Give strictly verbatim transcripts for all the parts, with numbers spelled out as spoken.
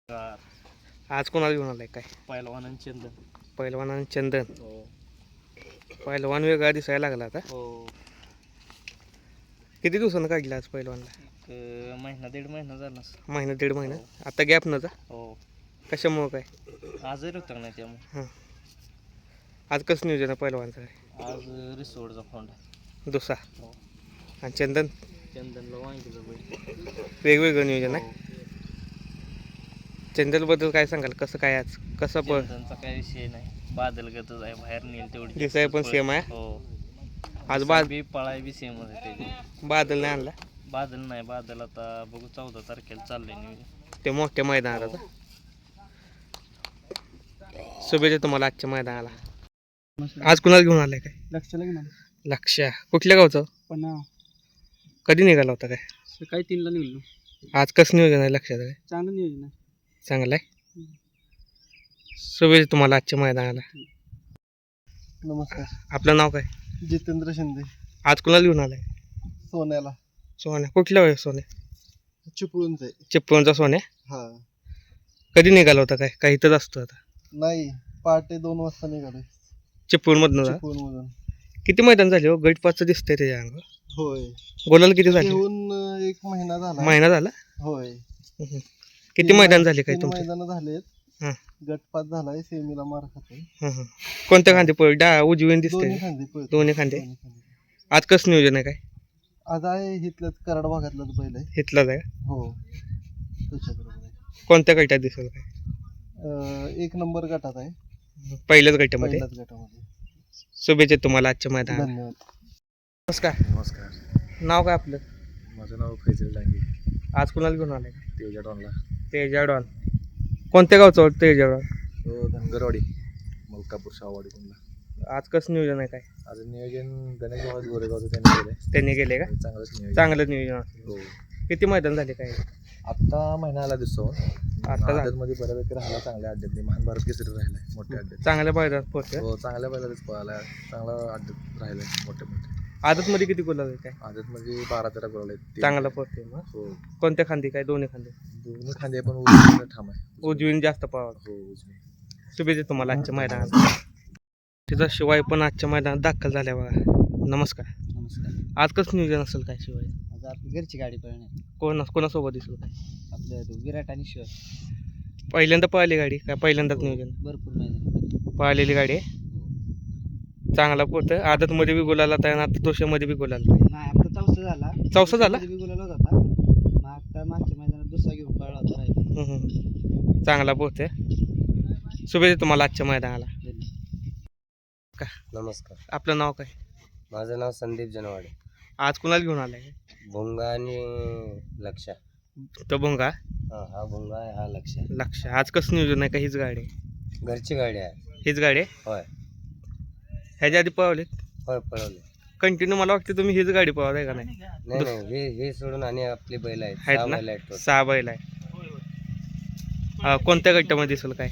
Car आज कोणाला घेऊन आलाय काय? पहिलवान आणि चंदन. पहिलवान आणि चंदन. हो पहिलवान वेगळा दिसायला लागला आता. हो किती दिवसानं काढला आज पहिलवानला? एक अं, महिना दीड महिना झाला असेल. महिना दीड महिना. हो. आता गॅप नव्हता हो कशामुळं काय? आजही होता नाही त्यामुळे हां. आज कसं नियोजन आहे पहिलवानचं काय? आज रिसोडचा फोंड आहे. दुसा हो आणि चंदन चंदनला वांगीचं बैल. वेगवेगळं नियोजन आहे. हो. चंदनबद्दल काय सांगाल? कसं काय आज कसं पण चंदनचा काही विषय नाही. बादलगतच आहे, बाहेर नेल तेवढी दिसाय पण सेम आहे. हो आज बाद बी पळाय बी सेम आहे त्याची. बादल नाही आणला बादल नाही, बादल आता बघू चौदा तारखेला चाललंय नियोजन. ते मोठ्या मैदानात आता. शुभेच्छा तुम्हाला आजच्या मैदानाला. आज कुणाला घेऊन आलाय काय? लक्षाला घेऊन लक्ष कुठल्या गावचं? पण कधी निघाला होता काय? सकाळी तीनला निघलो. आज कसं नियोजन आहे लक्षात काय? चांगलं नियोजन आहे. चांगलं आहे. शुभेच्छा तुम्हाला आजच्या मैदानाला. नमस्कार. आपलं नाव काय? जितेंद्र शिंदे. आज कुणाला घेऊन आलाय? सोन्याला. सोन्या कुठल्या वेळ सोन्या? चिपळूणचं आहे. चिपळूणचा सोन्या. हा कधी निघाला होता काय? काही इथंच असतो आता. नाही, पहाटे दोन वाजता निघालोय चिपळूणमधनं जा. चिपळूणमधून. किती मैदान झाले हो? गट पाचचं दिसतंय त्याच्या अंगावर. होय, गोलाला किती झाले? येऊन एक महिना झाला. महिना झाला. होय. हम्म. किती मैदान झाले काय तुमचे? मैदान झालेत. हां गटपात झालाय, सेमीला मार खातोय. हां हां. कोणत्या खांदे पळ डा उजवीन दोन्ही दिसतंय? खांदे पळतोय. दोन्ही खांदे. दोन्ही खांदे. आज कसं नियोजन आहे काय? आज आहे इथलंच कराड भागातलंच बैल आहे. इथलाच आहे का? हो, त्याच्याबरोबर आहे. कोणत्या गटात दिसेल काय? अं, एक नंबर गटात आहे. पहिल्याच गटामध्ये. पहिल्याच गटामध्ये. शुभेच्छा तुम्हाला आजच्या मैदानात. धन्यवाद. नमस्कार. नमस्कार. नाव काय आपलं? माझं नाव फैजल डांगे. आज कुणाला घेऊन आलाय? तेजा डॉनला. तेजाडॉन. कोणत्या गावचं वाटतं तेजाडॉन? तो धनगरवाडी मलकापूर शाहवाडी कुंडला. आज कसं नियोजन आहे काय? आज नियोजन गणेश भाऊ गोरेगावचं त्यांनी केलंय. त्यांनी गेले का? चांगलंच नियोजन. चांगलं नियोजन असेल. हो. किती मैदान झाले काय? आत्ता महिना आला दिसतो. आता झालं. मध्ये बऱ्यापैकी राहिला चांगल्या अड्ड्यात. महान भारत केसरी राहिलाय मोठ्या अड्ड्यात. चांगल्या मैदानात पोहोचले. हो, चांगल्या बैलाच पळाला. चांगला अड्ड्यात राहिलाय मोठे मोठे. आदत मध्ये किती गुलाब आहे काय? आदत म्हणजे बारा तेरा गोल आहेत. चांगला पोहोचते मग. हो, कोणत्या खांदी काय? दोन्ही खांदे. दोन्ही खांदे पण उजवीने ठाम आहे. उजवीन जास्त पावा. हो, उजवी. शुभेच्छा तुम्हाला आजच्या मैदानात. तिचा शिवाय पण आजच्या मैदानात दाखल झाल्या बघा. नमस्कार. नमस्कार. आज कसं नियोजन असेल काय शिवाय? आज आपली घरची गाडी पळणार. कोण कोणासोबत दिसेल काय? आपल्या विराट आणि शिवाय पहिल्यांदा पळाली गाडी काय? पहिल्यांदाच नियोजन भरपूर मैदान. पळालेली गाडी आहे. चांगला पोहतं. आदत मध्ये बी गुलाला आहे आणि आता दोषामध्ये बी गुलाला आहे. नाही, आता चौसा झाला. चौसा झाला? बी गुलाल होता. मग आता मागच्या मैदानात दुसरा घेऊन पळला होता राहिला. हम्म, हम्म. चांगला पोहते. शुभेच्छा तुम्हाला आजच्या मैदानाला. का नमस्कार. आपलं नाव काय? माझं नाव संदीप जनवाडे. आज कुणाला घेऊन आलाय? भोंगा आणि लक्षा. तो भोंगा. हा हा भोंगा आहे, हा लक्षा. लक्ष. आज कसं नियोजन आहे का? हीच गाडी आहे? घरची गाडी आहे. हीच गाडी आहे. होय ह्याच्या आधी पळवले होय पळवले. कंटिन्यू. मला वाटतं तुम्ही हीच गाडी पळवताय का नाही? नाही नाही, हे हे सोडून आणि आपली बैल आहेत. आहेत सहा ना? बैल आहेत total. सहा बैल आहे. अं, कोणत्या गटामध्ये दिसेल काय?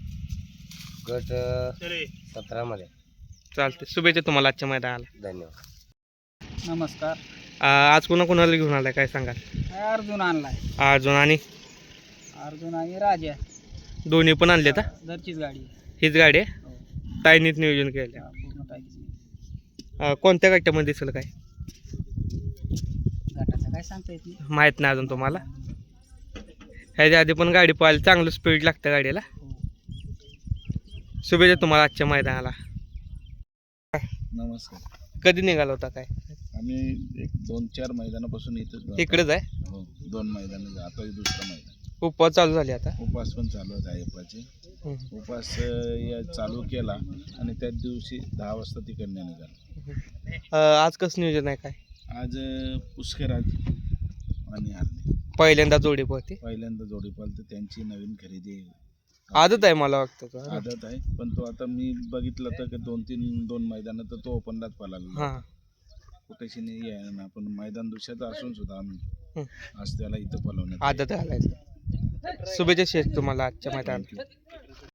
गट सतरा मध्ये. चालते. शुभेच्छा तुम्हाला आजच्या मैदानाला. धन्यवाद. नमस्कार. अं, आज कुणा कुणाला घेऊन आलाय काय सांगाल? अर्जुन आणलाय. अर्जुन आणि अर्जुन आणि राजा. दोन्ही पण आणले तर घरचीच गाडी. हीच गाडी आहे. ताईनीच नियोजन केलं. पूर्ण टाकीची. अं, कोणत्या गटामध्ये दिसेल काय? गटाचं काय सांगता येत नाही. माहीत नाही अजून तुम्हाला. ह्याच्या आधी पण गाडी पळायला चांगलं स्पीड लागतं गाडीला. शुभेच्छा तुम्हाला आजच्या मैदानाला. नमस्कार. कधी निघाला होता काय? आम्ही एक दोन चार मैदानापासून इथंच. इकडेच आहे. हो, दोन मैदान. आता हे दुसरं मैदान. उपवास चालू झाली आता. उपास पण चालू आहेत अय्यप्पाचे. हम्म. उपास अं, या चालू केला आणि त्याच दिवशी दहा वाजता तिकडनं निघाला. अं, आज कसं नियोजन आहे काय? आज अं, पुष्कराज आणि आरती पहिल्यांदा जोडी पळते. पहिल्यांदा जोडी पालते. त्यांची नवीन खरेदी आदत आहे मला वाटतं तो. आदत आहे. पण तो आता मी बघितलं तर दोन तीन दोन मैदान तर तो ओपनलाच पळाला. हां. कुठेशी नाही आहे ना, पण मैदान दुसऱ्याचं असून सुद्धा आम्ही हम्म. आज त्याला इथं पळवण्यात. आदत घालायचं. शुभेच्छा शेष तुम्हाला आजच्या मैदानात.